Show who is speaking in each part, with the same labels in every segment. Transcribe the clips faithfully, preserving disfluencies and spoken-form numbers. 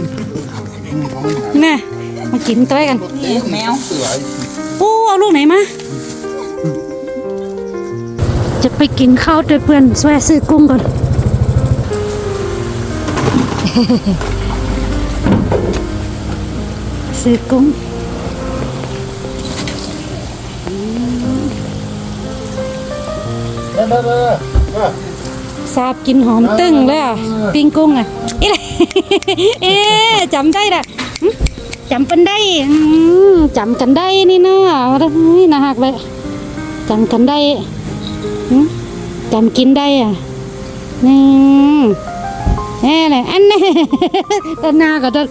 Speaker 1: แน่มากินตัวกันแมวโอ้เอาลูกไหนมาจะไปกินข้าวด้วยเพื่อนแวะซื้อกุ้งก่อนซื้อกุ้งซาบกินหอมตึ้งเลยอ่ะปิ้งกุ้งอ่ะอีไรเอ๊ะจำได้ละจำเป็นได้จำกันได้นี่เนาะนี่นะฮักเลยจำกันได้จำกินได้อ่ะนี่แน่เลยอันนี้ต้นนาก็ต้น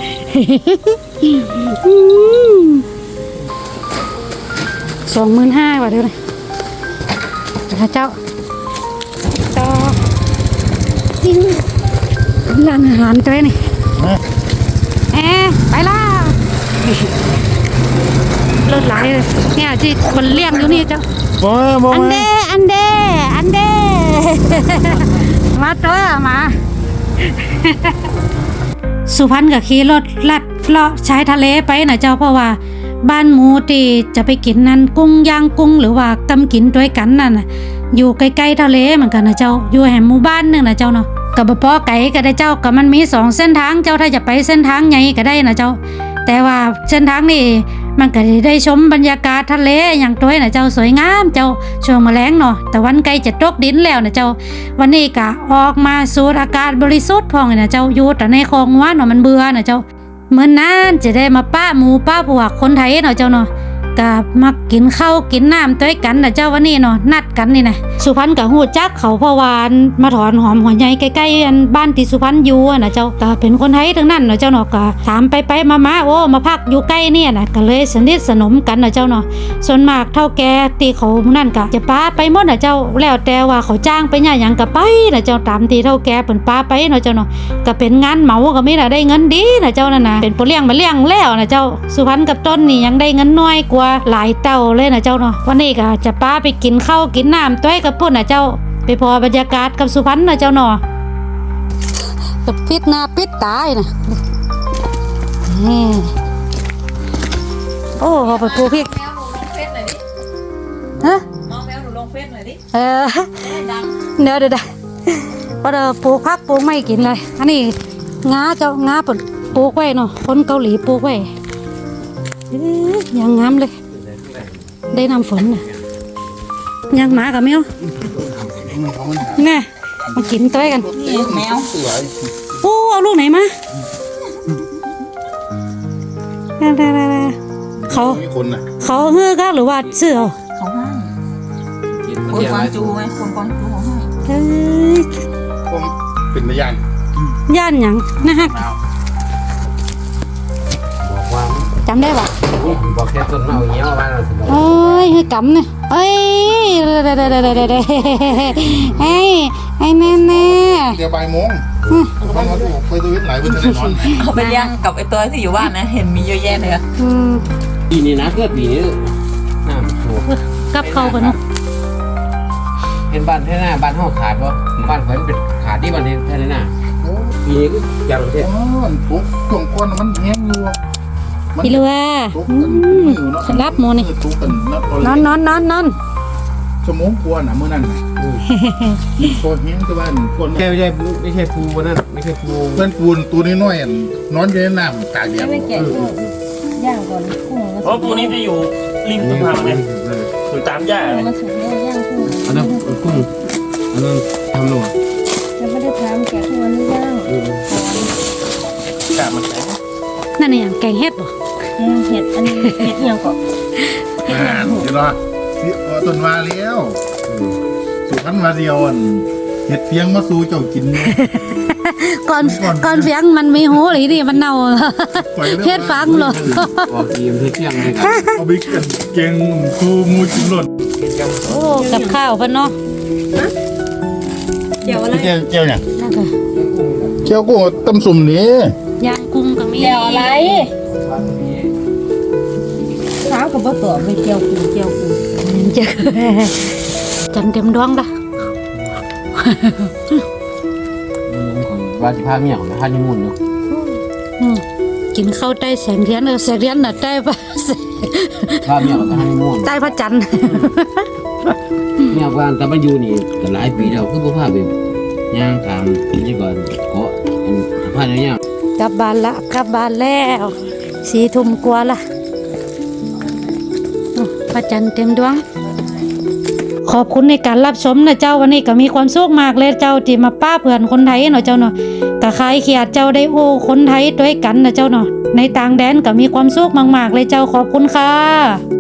Speaker 1: สองหมื่นห้าบาทเท่าไหร่เจ้าต่อจริงร้านอาหารตัวนี้เอ๊ะไปล่ะเลิศหลายเลยเนี่ยที่คนเลี้ยงอยู่นี่เจ้าอันเดอันเดอันเดมาตัวมาสุพรรณกับขี่รถลัดเลาะชายทะเลไปนะเจ้าเพราะว่าบ้านหมูที่จะไปกินนั้นกุ้งย่างกุ้งหรือว่ากำกินด้วยกันนั่นน่ะอยู่ใกล้ๆทะเลเหมือนกันนะเจ้าอยู่แห่งหมู่บ้านนึงนะเจ้าเนาะกับบ่พอไก่ก็ได้เจ้ากับมันมีสองเส้นทางเจ้าถ้าจะไปเส้นทางใหญ่ก็ได้นะเจ้าแต่ว่าเส้นทางนี่มันก็ได้ชมบรรยากาศทะเลอย่างตัวนะเจ้าสวยงามเจ้าช่วงแมลงเนาะแต่วันใกล้จะตกดินแล้วนะเจ้าวันนี้ก็ออกมาสูดอากาศบริสุทธิ์พองนะเจ้าอยู่แต่ในคลองว่าเนาะมันเบื่อนะเจ้าเหมือนนั้นจะได้มาป้าหมูป้าพวกคนไทยเนาะเจ้าเนาะกับมากินข้าวกินน้ำด้วยกันนะเจ้าวันนี้เนาะนัดกันนี่นะสุพรรณกับหูจักเขาเพราะวานมาถอนหอมหัวใหญ่ใกล้ๆบ้านที่สุพรรณอยู่นะเจ้าก็เป็นคนไทยทั้งนั้นเนาะเจ้าเนาะก็ถามไปไปมามาโอ้มาพักอยู่ใกล้เนี่ยนะก็เลยสนิทสนมกันนะเจ้าเนาะส่วนมากเท่าแก่ตีเขานั่นก็จะป้าไปหมดนะเจ้าแล้วแต่ว่าเขาจ้างไปเนี่ยอย่างก็ไปนะเจ้าตามที่เท่าแก่เป็นป้าไปเนาะเจ้าเนาะก็เป็นงานเหมาก็ไม่ได้เงินดีนะเจ้านั่นนะเป็นผู้เลี้ยงมาเลี้ยงแล้วนะเจ้าสุพรรณกับต้นนี่ยังได้เงินน้อยกว่าหลายเต่าเลยนะเจ้าเนาะวันนี้ก็จะป้าไปกินข้าวกินน้ำต้วยกับพุ่นนะเจ้าไปพอบรรยากาศกับสุพรรณนะเจ้าเนาะกับปิดหน้าปิดตานะโอ้พอไปปลูกพริกฮะน้องแมวหนูลงเฟซหน่อยดิเออเดี๋ยวเดี๋ยวพอเดี๋ยวปลูกพักปลูกไม่กินเลยอันนี้งาเจ้างาปลูกไว้เนาะคนเกาหลีปลูกไว้ยังงามเลยได้น้ำฝนน่ะยังหมากับแมวไงมากินตัวกันแมวโอ้เอาลูกไหนมาเขาเขาเฮือกหรือว่าเสื้อ
Speaker 2: เขาให้คนกวางจูไหมคนกวางจูเขาให้
Speaker 1: เฮ้ย
Speaker 3: ผมเป็นพยาน
Speaker 1: ย่านหยังนะฮะ
Speaker 3: บอกว่า
Speaker 1: จำได้ปะ
Speaker 3: บอกแค่ต้นเมาเงี้ยว่าเราสิ
Speaker 1: เอ้ยให้กำเนี่ยเอ้ยเด้อเด้อเด้อเด้อเด้อเด้อเฮ้ยไอ้แน่แน่
Speaker 3: เดี๋ยวบ่ายโมงมันมาไปตัววิทย์หลายวันจะได้นอน
Speaker 2: เขาไปเลี้ยงกับไอ้ตัวที่อยู่บ้านนะเห็นมีเยอะแยะเลยอะ
Speaker 3: ปีนี้นะเพื่อปีนี้น้ำท่วม
Speaker 1: กับเขาปะเนาะ
Speaker 3: เห็นบ้านแท่หน้าบ้านห้องขาดวะบ้านเพิ่นเป็นขาดที่บ้านแท่หน้าปีนี้ก็ยังเท่อ๋อปุ๊บช่วงก้นมันแห้งอยู่
Speaker 1: พี่ลัวรับโมนี่นอนนอนนอนนอน
Speaker 3: ชั่วโมงกวนอ่ะเมื่อนั้นโคตรแห้งที่บ้านคนไม่ใช่ไม่ใช่ปูวันนั้นไม่ใช่ปูเพื่อนปูนตัวนี้น้อยนอนอยู่ในน้ำตากแดด
Speaker 2: ย่างก่อนกุ้ง
Speaker 4: เพราะปูนี้จะอยู่ริมสะพานเลยอยู่ตามหญ้าเลย
Speaker 3: อันนั้นกุ้งอันนั้นทำหนู
Speaker 2: ยังไม่ได้ทำแกะทุกวันนี้ย่าง
Speaker 4: กามันแข็ง
Speaker 1: นั่นนี่อย่างแกงเห็ดบ่
Speaker 2: เห็ดอันนี้เห็ดยังก่อน
Speaker 3: เห็ดยังเดี๋ยวรอต้นมาแล้วสุพรรณมาเดียวเห็ดเฟียงมาสู่เจ้ากิน
Speaker 1: ก่อนก่อนเฟียงมันมีหูหรือนี่มันเน่าเห็ดฟังหรอ
Speaker 3: ออกทีมเห็ดเฟียงเลยครับเอาไปเก่งคูมูจิมหล่น
Speaker 1: โอ้กับข้าวพันเนาะ
Speaker 2: เจียวอะไร
Speaker 3: เจียวเจียวเนี่ยเจียวกุ้งต้มสุ่มนี่
Speaker 1: ย่างกุ้งก็มี
Speaker 2: เจียวอะไรเช้ากับบ่ตัวไปเจียวกุ้งเจียวกุ้ง
Speaker 1: เจอจันเต็มดวงละ
Speaker 3: ว่าสิพาเมียของพาญี่ปุ่นเนาะ
Speaker 1: กินข้าวใต้แสงเทียนเออแสงเทียนน่ะใต้ปะ
Speaker 5: ว่าเมียก็ให้ม่วน
Speaker 1: ใต้พระจันทร์
Speaker 5: เมียว่าแต่มันอยู่นี่ก็หลายปีแล้วคือบ่พาไปย่างตามนี่ก่อนเกาะอันพาเนี่ย
Speaker 1: กลับบ้านละกลับบ้านแล้วสี่ทุ่มกว่าละโอ้พระจันทร์เต็มดวง ขอบคุณในการรับชมนะเจ้าวันนี้ก็มีความสุขมากเลยเจ้าที่มาป้าเพื่อนคนไทยเนาะเจ้าเนาะก็คลายเครียดเจ้าได้โอ้คนไทยด้วยกันนะเจ้าเนาะในต่างแดนก็มีความสุขมากๆเลยเจ้าขอบคุณค่ะ